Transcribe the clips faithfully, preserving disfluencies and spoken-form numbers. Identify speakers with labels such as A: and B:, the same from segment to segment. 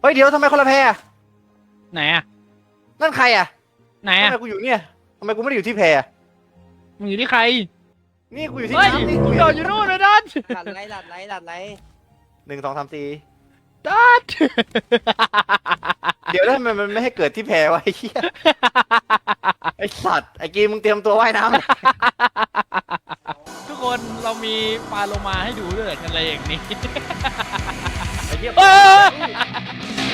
A: ฮ้ยเดี๋ยวทำไมคนละแพร
B: ไหนอะ
A: นั่นใครอ่ะ
B: ไหน
A: ทำ
B: อะ
A: ไมกูอยู่เนี่ยทำไมกูไม่ได้อยู่ที่แพร
B: มึงอยู่ที่ใคร
A: นี่กูอยู่ที่
B: เฮ้ย
A: น้ำนี่
B: กู
A: กู
B: โดดอยู่นู่นเลยดัด
C: หลัดไรหลัดไรหลัดไร
A: หนึ่งสองสามสี่
B: ดัด
A: เดี๋ยวแล้วทำไมมันไม่ให้เกิดที่แพรวะไอ้เหี้ยไอ้สัตว์ไอ้กีมึงเตรียมตัวว่ายน้ำ
B: ทุกคนเรามีปลาโลมาให้ดูด้วยกันอะไรอย่างนี้
A: ไอ้เหี้ย
B: เอ้ย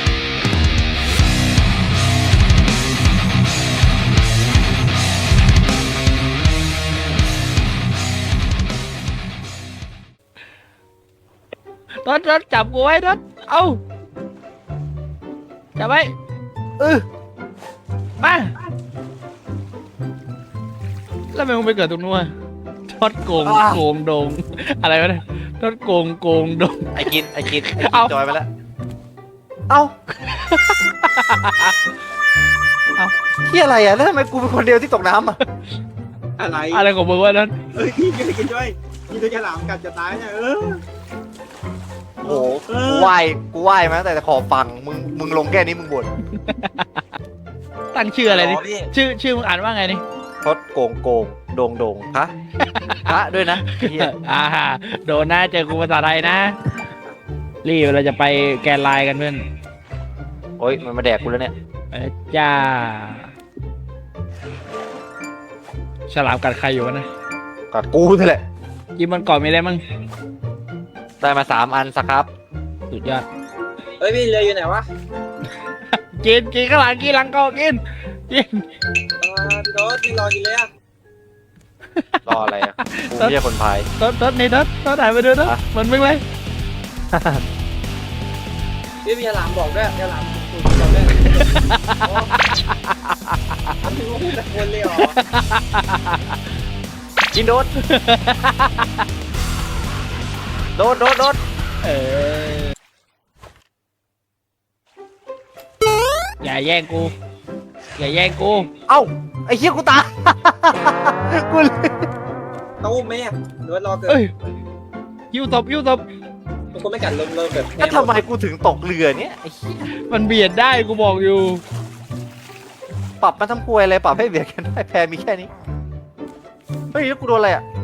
B: รถรถจับกูไว้รถเอาจับไว้
A: เออ
B: มาแล้วทำไมมึงไปเกิดตรงนู้นทอดโกงโกงดงอะไรวะเนี่ยทอดโกงโกงดง
A: ไอ้กินไอ้กินไอ้กิ
B: เอา
A: นจอยไปแล้วเอ้า
B: เอา
A: เหี้ยอะไรอ่ะแล้วทำไมกูเป็นคนเดียวที่ตกน้ำอ่ะ
D: อะไร
B: อะไรของมึงวะนั้น
D: เอ้ยพี่กินกินด้วยกินด้วยฉลามกัดจะตายเนี่ยเออ
A: โอ้โหกูว่ายกูว่ายมาตั้งแต่ขอบฝั่งมึงมึงลงแค่นี้มึงบ่น
B: ตั้งชื่ออะไรนี่
C: พี่
B: ชื่อชื่อมึงอ่านว่าไงนี่
A: ทดโกงโกงโดงโดงฮะฮะด้วยนะไอ้เหี้ย
B: อ่าโดนนะเจอกูภาษาไทยนะรีบเราจะไปแกนไลน์กันเพื่อน
A: โอ้ยมันมาแดกกูแล้วเนี่ย
B: ไปแล้วจ้าฉลามกัดใครอยู่วะนะ
A: กัดกูนี่แหละ
B: กินมันก่อนมีอะไรมั่ง
A: ได้มาสามอันสักครับ
B: สุดยอด
C: เฮ้ยพี่เรืออยู่ไหนวะ
B: กินกินข้างหลังกินหลังก็กินกิน
C: อ่าพี่โต๊ดไม่รอกินเลยอ่ะ
A: รออะไรอ่ะกูไม่ใช่คนพาย
B: ต้นต้นนี่ต้นต้นถ่ายไปดูต้น
A: อ่ะ
B: เหมือนมึงเลย
C: พี่มีฉลามบอกด้วยฉลามคุณบอกด้วยโอ้มันถึงว่าพูดตะโกนเลยเหรอ
A: กินโดดโดดโดดโดด
B: เอออย่าแย่งกูอย่าแย่งกู
A: เอ้าไอ้เหี้ยกูตาย กูเลย
C: ตู้มไหมอ่ะหรือว่ารอเกิด
B: เอ้ยยิ้วตบยิ้วตบ
C: ทุกคนไม่กัดเริ่มเริ่มแบบ
A: แล้วทำไมกูถึงตกเรือเนี่ยไอ้เหี้ย
B: มันเบียดได้กูบอกอยู่
A: ปรับมาทำกลวยอะไรปรับให้เบียดกันได้แพรมีแค่นี้เฮ้ยแล้วกูโดนอะไรอ่ะ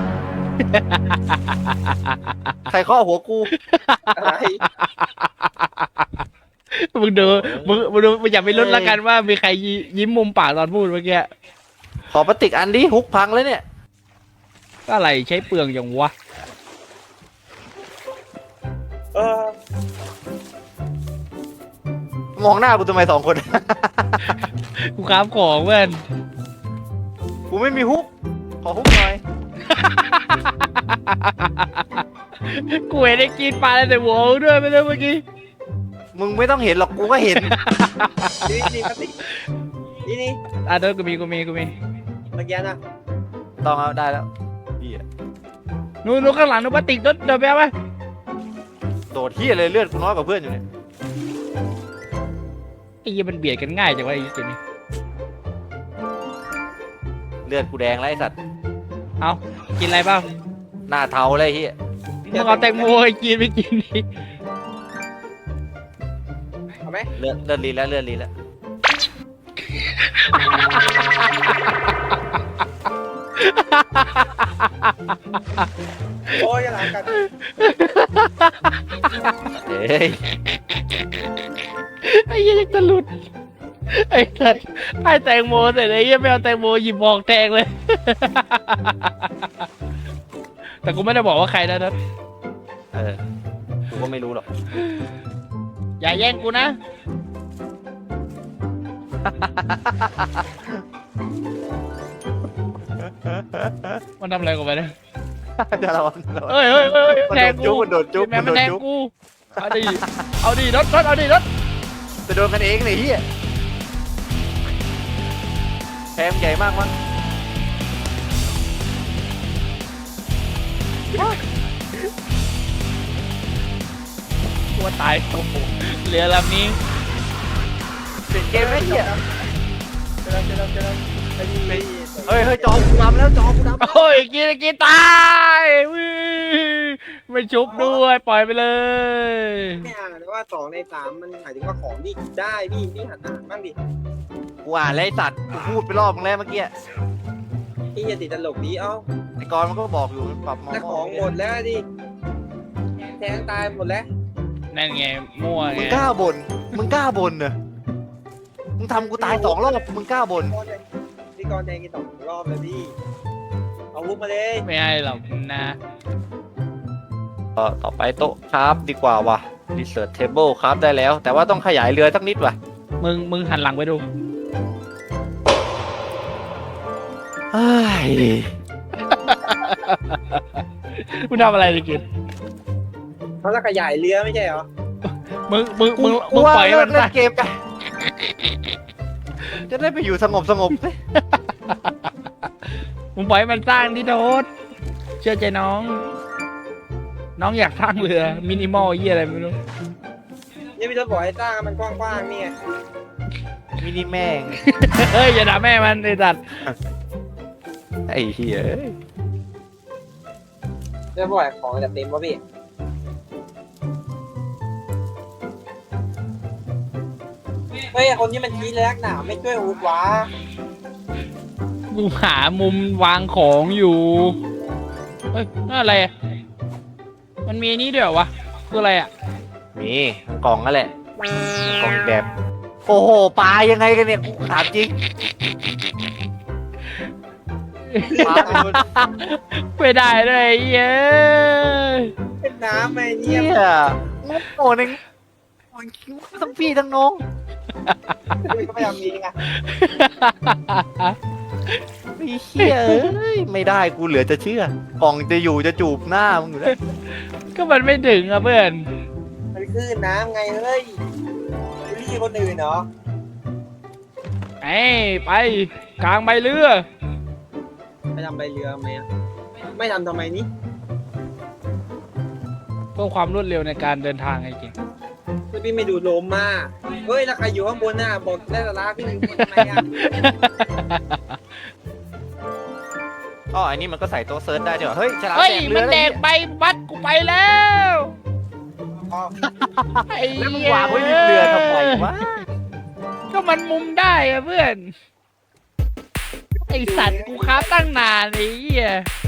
A: ใครเคาะหัวกู
C: อะไร
B: มึงดูมึงมึงดูมึงอย่าไปลุ้นละกันว่ามีใครยิยิ้มมุมปากตอนพูดเมื่อกี้
A: ขอพลาสติกอันดิฮุกพังเลยเนี่ย
B: ก็อะไรใช้เปลืองอย่างวะ
C: เออ
A: มองหน้ากูทำไมสองคน
B: กูค้ามของเพื่อน
A: กูไม่มีฮุก ขอฮุกหน่อย
B: กูเห็นไอ้กินปลาแล้วแต่หัวมึงด้วยไม่ได้เมื่อกี้
A: มึงไม่ต้องเห็นหรอกกูก็เห็น
C: นี่นี่ปฏินี่นี่
B: อ่ะเดี๋ยวกูมีกูมีกูมี
C: เมื่อกี้นะ
A: ต้องเอาได้แล้วเหี้ย
B: นู่นนู่นข้างหลังนู่นปลาติกรถเดินไปเอาไป
A: โดดเฮียเลยเลือดกูน้อยกว่าเพื่อนอยู่เนี่ย
B: ไอ้ยี่มันเบียดกันง่ายจังวะไอ้ตัวนี้
A: เลือดกูแดงแล้วไอ้สัตว์
B: เอากินอะไรเปล่า
A: หน้าเทาเลยเฮีย
B: มึงเอาแตงโมให้กินไม่กินดิ
C: เอาไหม
A: เลือดเลือดลีแล้วเลือดลีแล้ว
C: โอ้ยฉลามกัด
A: เฮ้ย
B: ไอ้ยี่จะหลุดไอ้สัตว์ให้แตงโมเสร็จไอ้ยี่ไม่เอาแตงโมหยิบบอกแทงเลย แต่กูไม่ได้บอกว่าใครนะนัท
A: เออ กูก็ไม่รู้หรอก
B: อย่าแย่งกูนะ มันทำอะไรกูไปเนี่ย
A: จะระวังระวัง
B: เฮ้ยเฮ้ยเฮ้ย
A: มัน
B: แทง
A: โด
B: กู
A: นจุ๊บมันโดนจุ๊บ
B: แม่
A: มัน
B: มัน
A: โดน
B: แทง
A: จุ๊บ
B: กู เอาดิ เอาดิรถรถเอาดิรถ
A: จะโดนกันเองเลยเฮียแพมใหญ่มากมั้ง
B: ตัวตายโอ้โหเรือลำนี้
A: เปลี่ยนเกมไหมเฮีย
C: เจอแล้วเจอแล้วเจอแล้วไอ้นี่ไอ้
A: เฮ้ยเฮ้ยจอกูดำแล้วจอกูดำ
B: โอ้ยกินกินตายวิไม่ชุบด้วย ปล่อยไปเลย
C: ไม่อ่านหรือว่าว่าสองในสามมันหมายถึงว่าของที่ได้พี่พี่หันอ่านบ้างดิ
A: กูอ่านแล้วไอ้สัตว์กูพูดไปรอบนึงแล้วเมื่อกี้
C: พี่อย่าติดตลกดีเอ้า
A: ไอ้กรณ์มันก็บอกอยู่มันปรับมอ
C: แต่
A: ม
C: ของหมดแล้วดิแทงตายหมดแล้ว
B: นั่นไงมั่ว
A: มึ
B: ไง
A: งกล้าบ่นมึงกล้าบ่นเนอะมึงทำกูตายสองรอบมึงกล้าบ่น
C: พี่กรณ์แทงกี่สองรอบแล้วพี่เอาวุ้บมาเลย
B: ไม่ให้หรอกนะ
A: ก็ต่อไปโต๊ะครับดีกว่าว่ะ research table ครับได้แล้ว แต่ว่าต้องขยายเรือสักนิดว่ะ
B: มึงมึงหันหลังไปดู
A: เฮ้ย
B: มึงทำอะไรดิกิน
C: เขาจะขยายเรือไม่ใช่เหรอ
B: มึงมึงมึง
A: กู
B: มึง
A: ว่า
B: ปล่อยให้
A: เลิ
B: มั
A: ก
B: น
A: เล่
B: ซะ
A: นเกมกัน จะได้ไปอยู่สงบสงบสิ
B: มึงปล่อยให้มันสร้างที่โดดเชื่อใจน้อง น้องอยากสร้างเรือมินิมอลเยี่ยอะไรไม่รู้
C: นี่พี่ทศบอกให้สร้างมันกว้างๆนี่ไง
A: มินิแม่ง
B: เฮ้ยอย่าด่าแม่มันไอ้สัตว์
A: ไอ้เหี้ย
C: จะบอกให้ของจะเต็มวะพี่เฮ้ยคนนี้มันชี้เลยนักหนาไม่ช่วยอุดวะ
B: กูหามุมวางของอยู่ เฮ้ยนั่นอะไรอะมันมีนี่ด้วยเหรอวะ คืออะไรอ่ะ
A: มีกล่องนั่นแหละกล่องแบบ โอ้โหปลายังไงกันเนี่ยกูถามจริงปลาเป็นคน
B: ไม่ได้เลยเย้ย
C: เป็นน้ำไอ้
A: เหี้
C: เนี่ย
A: ยโง่หนึ่งทั้งพี่ทั้งน้อง
C: พี่ก็พยายามยิงอ่ะ
A: ไอ้เหี้ยเอ้ยไม่ได้กูเหลือจะเชื่อกล่องจะอยู่จะจูบหน้ามึงอยู่แล้ว
B: ก็มันไม่ถึงอ่ะเพื่อน
C: มันคือน้ำไงเฮ้ยบูลลี่คนอื่นเหรอ
B: ไอ้ไปกลางใบเรือ
C: ไปทำใบเรือไหมอะไม่ทำทำไมนี่
B: เพื่อความรวดเร็วในการเดินทางไอ้จริง
C: คือพี่ไม่ดูลมมาเฮ้ยแล้วใครอยู่ข้างบนน่ะบอกได้สาระพี่อยู่ข้างบนทำไมอ่ะ
A: อ๋ออันนี้มันก็ใส่โต๊ะเซิร์ชได้ด้วยเหรอเฮ้ยฉลาม
B: เฮ้ย
A: แดกเรื
B: มั
A: อน แล้ว
B: แดก
A: เนี่ย
B: ใบบัดกูไปแล้ว
C: อ๋อ
B: ไอ้
A: แล้วมึงวางไว้ริมเรือทำไมวะ
B: ก็มันมุมได้อะเพื่อน ไอสัตว์กูค้าตั้งนานไอ้เหี้ย